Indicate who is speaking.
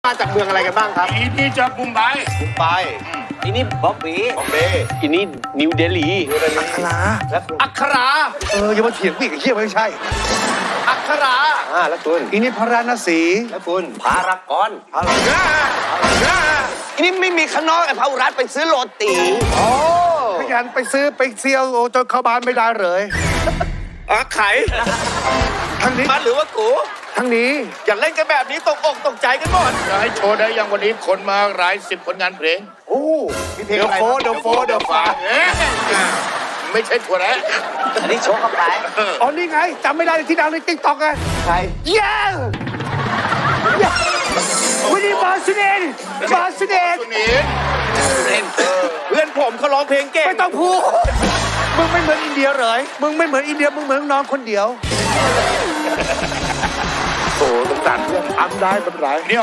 Speaker 1: มาจากเมืองอะไรกันบ้างครับ
Speaker 2: อีนี่จะบุมไบ
Speaker 1: ไป
Speaker 3: อีนี่บ๊อบบี้
Speaker 1: บอมเบย์
Speaker 3: อีนี่นิวเดลี
Speaker 4: อัครา
Speaker 1: อัครา
Speaker 4: อย่ามาเถียงพี่ไอ้เหี้ยไม่ใช่
Speaker 1: อัครา
Speaker 3: แล้วคุณ
Speaker 4: อีนี่พระราณสี
Speaker 1: แล้วคุณ
Speaker 3: พารากอนอีนี่ไม่มีข้างนอกไอ้พาวุรัตไปซื้อโรตี
Speaker 4: ขยันไปซื้อไปเซียวโอ้จนเข้าบ้านไม่ได้เลย
Speaker 1: ไข่
Speaker 4: ทางนี้
Speaker 1: มันหรือว่ากู
Speaker 4: ทางนี้
Speaker 1: อย่าเล่นกันแบบนี้ตกอกตกใจกันหมด
Speaker 2: จะให้โชว์ได้ยังวันนี้คนมาหลาย10ผลงานเพลง
Speaker 4: โอ้มีเพลงอะไร
Speaker 1: เดี๋ยวฟ้า
Speaker 2: ไม่ใช่ถั่วแระ
Speaker 3: อันนี้โชว์เข้าไป
Speaker 4: อ๋อนี่ไงจำไม่ได้ที่ดังในติ๊กต็อกไง
Speaker 1: ใคร
Speaker 4: เย้วันนี้บาสเนนบาสเนน
Speaker 2: ตัวนี้
Speaker 1: เพื่อนผมเขาร้องเพลงเก่ง
Speaker 4: ไม่ต้องพูดมึงไม่เหมือนอินเดียเหรอมึงไม่เหมือนอินเดียมึงเหมือนน้องคนเดียว
Speaker 2: โอ้สงสารเพื่อนทำได้เป็นไร